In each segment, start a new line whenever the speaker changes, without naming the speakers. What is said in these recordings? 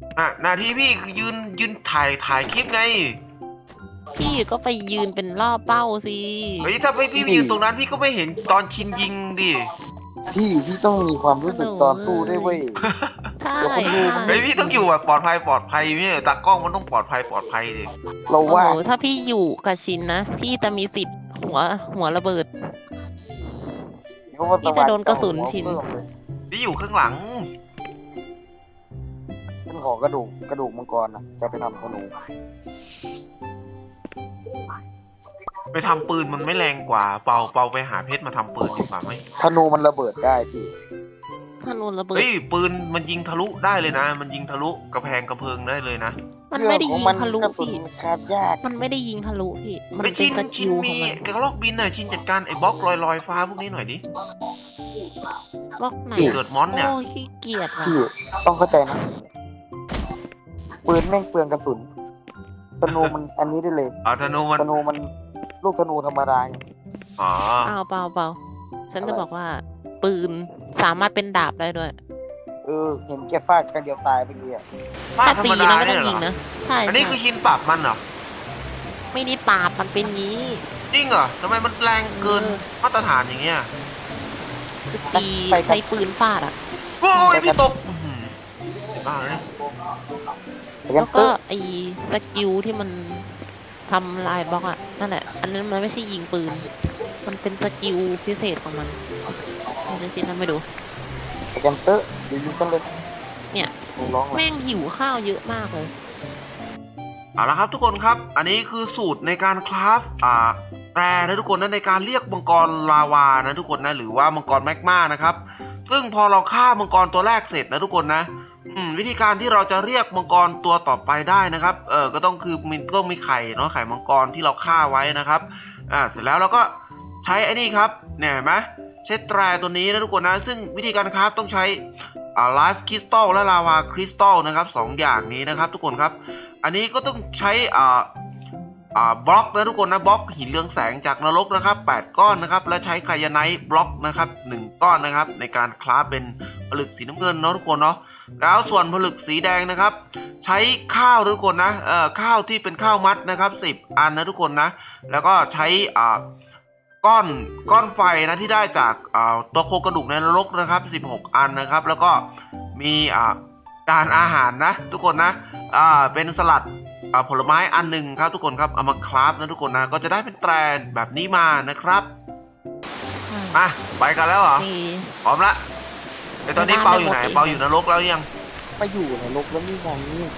หน้าที่พี่คือยืนถ่ายคลิปไง
พี่ก็ไปยืนเป็นล่อเป้าสิ
เฮ้ยถ้าพี่ไปยืนตรงนั้นพี่ก็ไม่เห็นตอนชินยิงดิ
พี่ต้องมีความรู้สึกตอนสู้ด้วยเว้ย
ใช่
เดี๋ยวคนดู
ใช่
เฮ้ยพี่ต้องอยู่แบบปลอดภัยไม่ใช่ตากล้องมันต้องปลอดภัยดิ
เรา
โอ้
ว่า
โหถ้าพี่อยู่กับชินนะพี่จะมีสิทธิ์หัวระเบิด พี่จะโดนกระสุนชิน
พี่อยู่ข้างหลัง
ฉันขอกระดูกมังกรนะจะไปทำธนู
ไปทำปืนมันไม่แรงกว่าเปาไปหาเพชรมาทำปืนดีกว่าไหม
ธนูมันระเบิดได้พี่
ธนูระเบิด
เฮ้ยปืนมันยิงทะลุได้เลยนะ มันยิงทะลุกระแพงกระเพิงได้เลยนะ
มันไม่ได้ยิงทะลุ
กระสุน
พี่
มันคาบยาก
มันไม่ได้ยิงทะลุพี่มัน
ไป
เป็
ชิ
น
น
ส
ชิ
กิ
น
ลข
มี
องมัน
กระลอกบินน่ะชินจัดการไอ้บล็อกลอยฟ้าพวกนี้หน่อยดิ
บล็อกไหน
เกิดมอนเนี่ย
โอ้ยขี้เกียจว่ะ
พี่ต้องเข้าใจนะปืนแม่งเปลืองกระสุนธนูมันอันนี้ได้เลย
ธนูมัน
ธนูมันลูกธนูธรรมดาไง
อ๋อ
เปล่าฉันจะบอกว่า ปืนสามารถเป็นดาบได้ด้วย
เห็นแกฟาดครั้งเดียวตายไปเลยอ่ะ
ฟาด
ถ้า
ธร
ตี
รมดา
นะไม่
เนี่
ต้อย ง
เหร
ยิง
อ
นะใช่
อันนี้
ใช่
คือชินปรับมันเหรอ
ไม่ได้ปราบมันเป็นงี้
จริงเหรอทำไมมันแรงเกิน
เออ
มาตรฐานอย่างเงี้ย
คือตีใช้ปืนฟาดอ่ะ
โอ้ยพี่ตกอื้อหือบ้าเลย
แล้วก็ไอ้สกิลที่มันทำลายบล็อกอ่ะนั่นแหละ อันนั้นมันไม่ใช่ยิงปืน มันเป็นสกิลพิเศษของมันเดี๋ยวชินทำไปดู
แกนเตอร์เดี๋ยวยิงกันเลย
เนี่ย
ร้องเลย
แม่งหิวข้าวเยอะมากเลย
เอาละครับทุกคนครับ อันนี้คือสูตรในการคราฟแปรนะทุกคนนะในการเรียกมังกรลาวานะทุกคนนะหรือว่ามังกรแมกมานะครับ ซึ่งพอเราฆ่ามังกรตัวแรกเสร็จนะทุกคนนะวิธีการที่เราจะเรียกมังกรตัวต่อไปได้นะครับก็ต้องคือต้องมีไข่เนาะไข่มังกรที่เราฆ่าไว้นะครับเสร็จแล้วเราก็ใช้ไอ้นี่ครับเนี่ยเห็นไหมใช้แตรตัวนี้นะทุกคนนะซึ่งวิธีการคราฟต้องใช้ไลฟ์คริสตัลและลาวาคริสตัลนะครับสองอย่างนี้นะครับทุกคนครับอันนี้ก็ต้องใช้บล็อกนะทุกคนนะบล็อกหินเรืองแสงจากนรกนะครับ8ก้อนนะครับและใช้ไคยาไนท์บล็อกนะครับ1ก้อนนะครับในการคราฟเป็นผลึกสีน้ำเงินเนาะทุกคนเนาะแล้วส่วนผลึกสีแดงนะครับใช้ข้าวทุกคนนะข้าวที่เป็นข้าวมัดนะครับ10อันนะทุกคนนะแล้วก็ใช้ก้อนไฟนะที่ได้จากตัวโครงกระดูกในนรกนะครับ16อันนะครับแล้วก็มีจานอาหารนะทุกคนนะเป็นสลัดผลไม้อันหนึ่งครับทุกคนครับเอามาคราฟนะทุกคนนะก็จะได้เป็นแตรแบบนี้มานะครับมาไปกันแล้วเหรอ
นี่
พร้อมละไอตอนนี้เปาอยู่ไหนเปาอยู่นรกแล้วยัง
มาอยู่ในโลกแล้วนี่ไง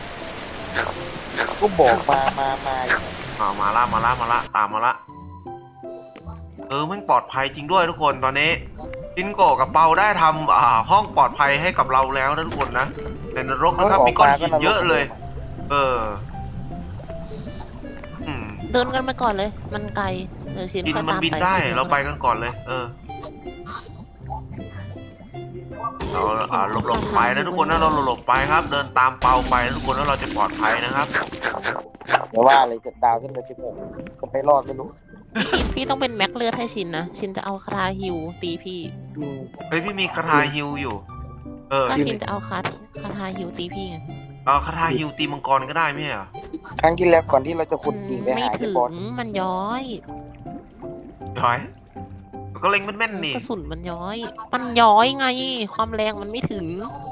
ก็บอกมาอยู่
มาละตามมาละแม่งปลอดภัยจริงด้วยทุกคนตอนนี้จินโกะกับเปาได้ทำห้องปลอดภัยให้กับเราแล้วนะทุกคนนะในนรกนะครับมีก้อนหินเยอะเลย
เดินกันไปก่อนเลย มันไกลเดี๋ยวชิน
บิน
ค่อย
มัน
ตาม
บิน
ไป
ได้เราไปกันก่อนเลยเราหลบไปนะทุกคนนะเราหลบไปครับ เดินตามเปาไปนะทุกคนแล้วเราจะปลอดภัยนะครับ
เดี๋ยวว่าอะไรจะดาวขึ้นไป16จะไปรอดไม่รู้
พี่ต้องเป็นแม็กเลือดให้ชินนะ ชินจะเอาคาถาฮิวตีพี่
เฮ้ยพี่มีคาถาฮิวอยู่
ถ้าชินจะเอาคาถาฮิวตีพี่ไง
คาถาฮิวตีมังกรก็ได้ไม่ใช่เหรอ
ครั้งที่แล้วก่อนที่เราจะขุดดิ่งไป
ไม่
หา
ถึ
ที่
ง
บอส
มันย้อย
ย้อยก็เล็งแม่นๆนี่
กระสุนมันย้อย มันย้อยไง ความแรงมันไม่ถึง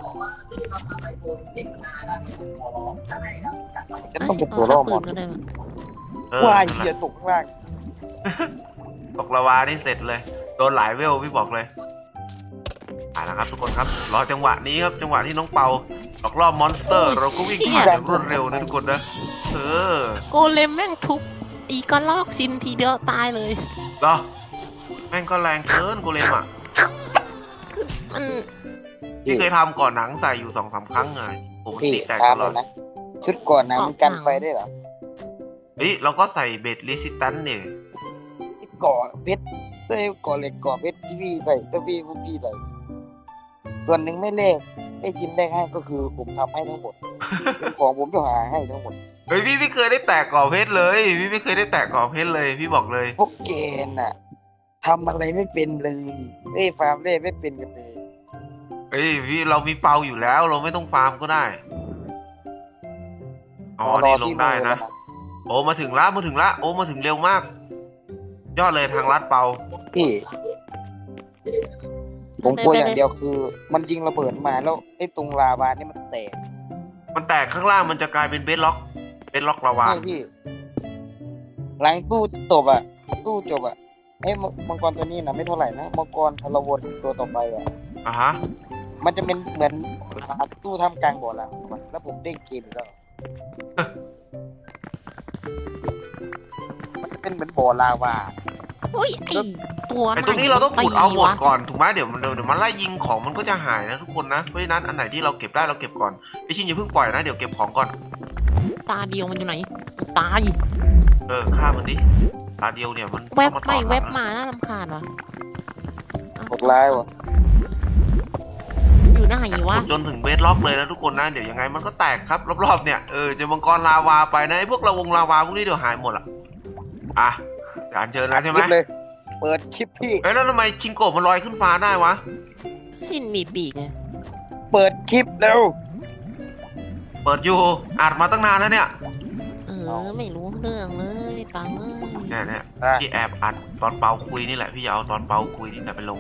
จะต้องเป็นตัวล่อหม
ปื
ด
นก็ได้มั้ย
ว่าเหี้ยตกข้างล่าง
ตกละวานี่เสร็จเลยโดนหลายเวลพี่บอกเลยแล้วครับทุกคนครับรอจังหวะนี้ครับจังหวะที่น้องเปาหลอกล่อมอนสเตอร์เราก็วิ่งผ่านอย่างรวดเร็วนะทุกคนนะ
โกเลมแม่งทุบอีกระลอกชินทีเดียวตายเลย
เหรอแม่งก็แรงเกินโกเลมอ่ะ
มัน
พี่เคยทำก่อนหนังใส่อยู่2-3 ครั้งไงผม
พี่
ตีแตก
ตา
ต
ม
ล
เล
อด
ยนะชุดก่อนนะมันกันไฟได้เหรอ
เฮ้ยเราก็ใส่เบสรีสิสแตนเนี่ย
ก่อเพชรเต้ก่อเหล็กก่อเพชรที่พี่ใส่ถ้าพี่พวกพี่ใส่ส่วนหนึ่งไม่เลขได้ยินได้ให้ก็คือผมทำให้ทั้งหมด เป็นของผมจะหาให้ทั้งหมด
เฮ้ยพี่ไม่เคยได้แตกก่อเพชรเลยพี่ไม่เคยได้แตกก่อเพชรเลยพี่บอกเลย
พวกเกณฑ์น่ะทำอะไรไม่เป็นเลยฟาร์มเล่ไม่เป็นกันเลย
เฮ้ยพี่เรามีเปาอยู่แล้วเราไม่ต้องฟาร์มก็ได้อ๋อนี่ลงได้นะ โอ้มาถึงละโอ้มาถึงเร็วมาก ยอดเลยทางลัดเปา
พี่ผมกลัวอย่างเดียวคือ มันยิงระเบิดมาแล้วไอ้ตรงลาวานี่มันแตก
มันแตกข้างล่างมันจะกลายเป็นเบสล็อกลาวา
ใช่พี่ หลังตู้จบอ่ะตู้จบอ่ะไอ้มังกรตัวนี้นะไม่เท่าไหร่นะมังกรพลวนตัวต่อไปอ่ะ
อ่ะฮะ
มันจะเป็นเหมือนตู้ทำกลางบ่อละแล้วผมเด้งเกมอีกแล้วมันจะเป็นเหมือนบ่อลาวา
โอ้ยไอตัว
ไอตัวนี้เราต้องขุดเอาหมด
วะ
ก่อนถูกไหมเดี๋ยวมันไล่ยิงของมันก็จะหายนะทุกคนนะเพราะฉะนั้นอันไหนที่เราเก็บได้เราเก็บก่อนไอชินอย่าเพิ่งปล่อยนะเดี๋ยวเก็บของก่อน
ตาเดียวมันอยู่ไหนตาย
ฆ่ามันดิตาเดียวเนี่ยมัน
แวบ
ต้องา
ไม่
ต่อ
แวบ
นะ
มาน่ารำคาญวะ
หกล้ายวะ
อยู่ไหนวะ
ขุดจนถึงเบสล็อกเลยนะทุกคนนะเดี๋ยวยังไงมันก็แตกครับรอบๆเนี่ยเจะมังกรลาวาไปนะไอพวกลาวาพวกนี้เดี๋ยวหายหมดอ่ะจานเชิญแล้วใช่ไหม
คลิปเลย เปิดคลิปพี่
แล้วทำไมชิงโกะมันลอยขึ้นฟ้าได้วะ
ชินมีปีกไง
เปิดคลิปแล้ว
เปิดอยู่อัดมาตั้งนานแล้วเนี่ย
ไม่รู้เรื่องเลยปังเอ้ย
เนี่ยพี่แอบอัดตอนเปาคุยนี่แหละพี่จะเอาตอนเปาคุยนี่แหละไปลง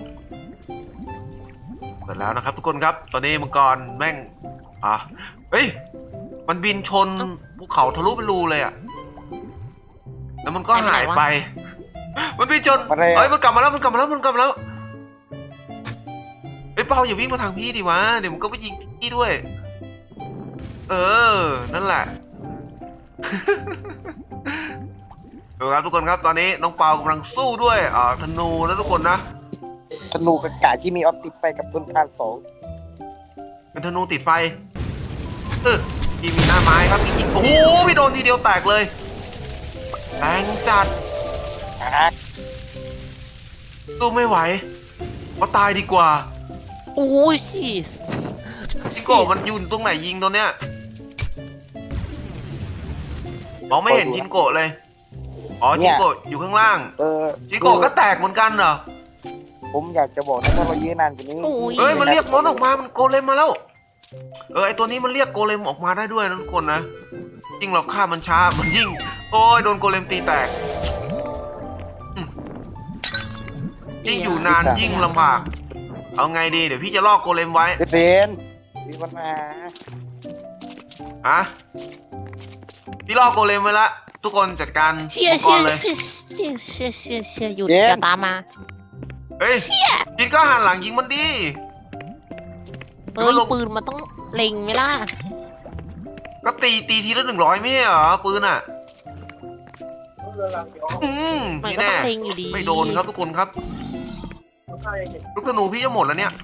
เปิดแล้วนะครับทุกคนครับตอนนี้มังกรแม่งเฮ้ยมันบินชนภูเขาทะลุเป็นรูเลยอ่ะแล้วมันก็หายไป มันบินชนเฮ้ยมันกลับมาแล้วเฮ้ยเปาอย่าวิ่งมาทางพี่ดิวะเดี๋ยวมันก็ไปยิงพี่ด้วยนั่นแหละ ดูครับทุกคนครับตอนนี้น้องเปากำลังสู้ด้วยธนูนะทุกคนนะ
ธนูกระกาที่มีออปติกไฟกับต้นทานสอง
เป็นธนูติดไฟพี่มีหน้าไม้ครับพี่ยิงโอ้โหพี่โดนทีเดียวแตกเลยแรงจัดสู้ไม่ไหวก็ตายดีกว่า
โอ้ยชีส
ชิโกะมันยืนตรงไหนยิงตัวเนี้ยมองไม่เห็นชินโกะเลยชินโกะอยู่ข้างล่างชินโกะก็แตกเหมือนกันเหรอ
ผมอยากจะบอกนะถ้าเรายื้อนานกว่านี้
มันเรียกมอนออกมามันโกเลมมาแล้วไอตัวนี้มันเรียกโกเลมออกมาได้ด้วยนะทุกคนนะยิ่งเราฆ่ามันช้ามันยิ่งโอ้ยโดนโกเลมตีแตกยิ่งอยู่นานยิ่งลำบากเอาไงดีเดี๋ยวพี่จะลอกโกเลมไว้
เป็นมีปัญหา
พี่ลอกโกเลมไว้ละทุกคนจัดการ
เชี่ย
มังกรเลย
หยุดอย่าตามมา
เฮ้ยจินก็หันหลังยิงมันดิ
ปืนมันต้องเล็งไหมล่ะ
ก็ตีทีละ100ไม่ใช่เหรอปืนอ่ะ
มัน
พี่
ก็ต้
แน่
องเล็งอยู่ดี
ไม่โดนครับทุกคนครับลูกธนูพี่จะหมดแล้วเนี่ย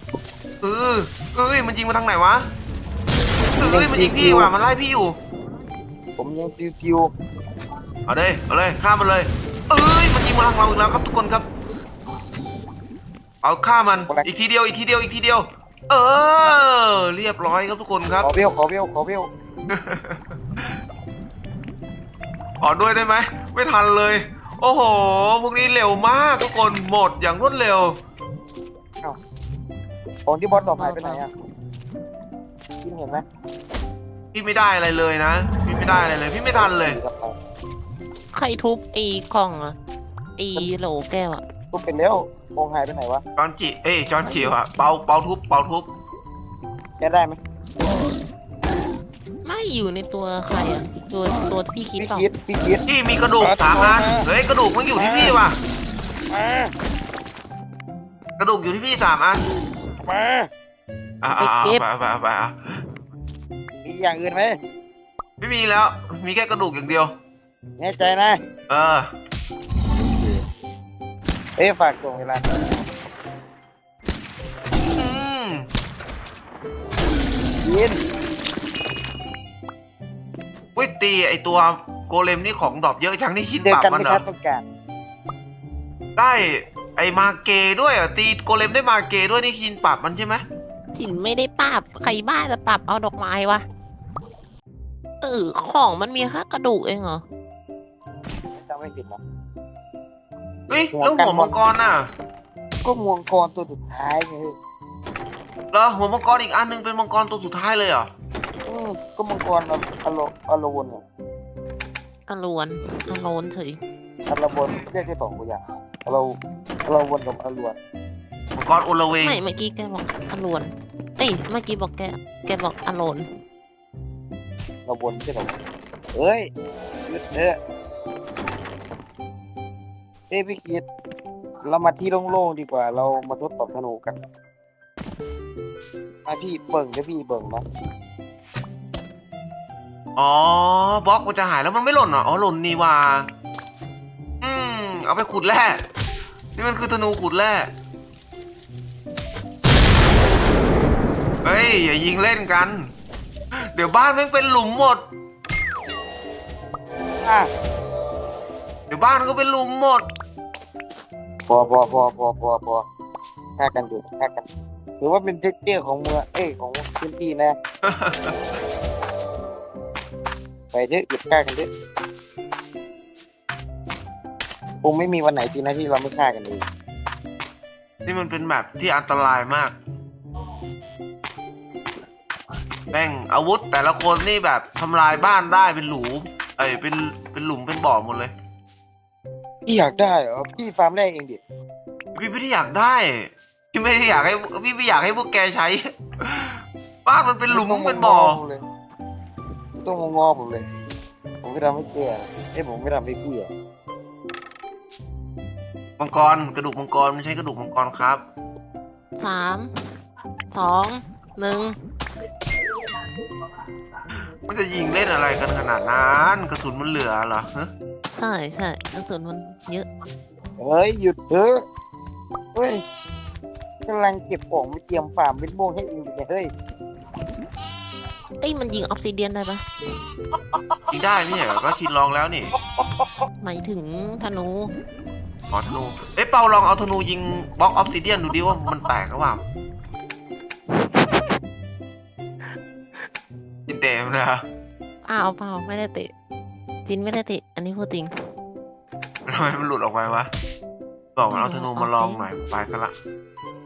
มันยิงมาทางไหนวะมันยิงพี่ว่ะมันไล่พี่อยู่
ผมยังฟิว
เอาเลยฆ่ามันเลยมันยิงมาทางเราอีกแล้วครับทุกคนครับเอาฆ่ามันอีกทีเดียวเรียบร้อยครับทุกคนครับ
ขอเบี้ยว
ขอด้วยได้ไหมไม่ทันเลย โอ้โหพวกนี้เร็วมากทุกคนหมดอย่างรวดเร็ว
ของที่บอสดอกหายไปไหนอ่ะพี่เห็นไหม
พี่ไม่ได้อะไรเลยนะพี่ไม่ได้อะไรเลยพี่ไม่ทันเลย
ใครทุบไอ้กล่องอะไอ้โหลแก้วอะ
ทุบไปแล้วของหายไปไหนวะ
จอนจิวอะเปาทุบ
แกได้ไหม
ไม่อยู่ในตัวใครอะตัวที่พี่คิด
พี่
เปล่า
คิด
ที่มีกระดูก3 อันเฮ้ยกระดูกมันอยู่ที่พี่ว่ะกระดูกอยู่ที่พี่3 อัน
มา
ไป
มีอย่างอื่นไหม
ไม่มีแล้วมีแค่กระดูกอย่างเดียว
แน่ใจนะ ฝากส่งเวลายิน
ตีไอตัวโกเลมนี่ของดรอปเยอะจังนี่ชิน
เจอ
ปรับ
กัน
มัน
ไม่
เหร
ทั
อน
ต้องการ
ได้ไอมาเกด้วยอ่ะตีโกเลมได้มาเกด้วยนี่ชินปรับมันใช่ไหม
จินไม่ได้ปรับใครบ้าจะปรับเอาดอกไม้วะของมันมีแค่กระดูกเองเหรอ
จำไม่ผิดนะ
เฮ้ยแล้วหัวมังกรน่ะ
ก็มวงกรตัวสุดท้ายไง
เหรอหัวมังกรอีกอันนึงเป็นมังกรตัวสุดท้ายเลยเหรอ
อืก็มังกรอโลวนอะ
อลวนอโลนเฉย
อโลวนเรียกแค่สองอย่างอโลวนกับอโลวน
มังกรโอละเวง
ไม่เมื่อกี้แกบอกอลวนเอ้ยเมื่อกี้บอกแกบอกอโลน
อโลวนไม่ใช่หรอเอ้ยหยุดเถอะพี่คิดเรามาที่โล่งๆดีกว่า เรามาทดสอบธนูกันมาพี่เบิ่งจะพี่เบิ่งนะ
อ๋อบล็อกมันจะหายแล้วมันไม่หล่นเหรออ๋อหล่นนี่ว่าเอาไปขุดแร่นี่มันคือธนูขุดแร่เฮ้ยอย่ายิงเล่นกัน เดี๋ยวบ้านแม่งเป็นหลุมหมด
อ่ะ
เดี๋ยวบ้านก็เป็นหลุมหมด
พอฆ่ากันอยู่ฆ่ากันหรือว่าเป็นเทคเจอร์ของเมืองของพื้นที่นะ ไปเถอะหยุดฆ่ากันเถอะคงไม่มีวันไหนจริงนะที่เราไม่ฆ่ากันเลย
นี่มันเป็นแบบที่อันตรายมากแม่งอาวุธแต่ละคนนี่แบบทำลายบ้านได้เป็นหลุมเป็นหลุมเป็นบ่อหมดเลย
พี่อยากได้เหรอพี่ฟาร์มแรกเองดิ
พี่ไม่ได้อยากได้พี่ไม่ได้อยากให้พี่ไม่อยากให้พวกแกใช้ บ้านมันเป็นหลุมเป็นบ่อ
เลยต้องงอผมเลย ผมไม่ทำให้เกลือผมไม่ทำให้เกลือ
มังกรกระดูกมังกรไม่ใช่กระดูกมังกรครับ
3 2 1
มันจะยิงเล่นอะไรกันขนาดนั้นกระสุนมันเหลือเหรอฮะ
ใช่กระสุนมันเยอะ
เฮ้ยหยุดเถอะเฮ้ยกำลังเก็บของไปเตรียมฟาร์มเป็นโม่งให้เองอยู่เนี่ยเฮ้ย
เอ้ยมันยิงออฟซิเดียนได้ปะ
ยิงได้ไม่ใช่เหรอก็ชินลองแล้วนี่
หมายถึงธนู
อ๋อธนูเปาลองเอาธนูยิงบล็อกออฟซิเดียนดูดิว่ามันแตกหรือเปล่าจินเต็มนะ
เปล่าไม่ได้เตะจินไม่ได้เตะอันนี้พูดจริง
ทำไมมันหลุดออกไปวะบอกมันเอาธนูมาลองหน่อยไปกันละ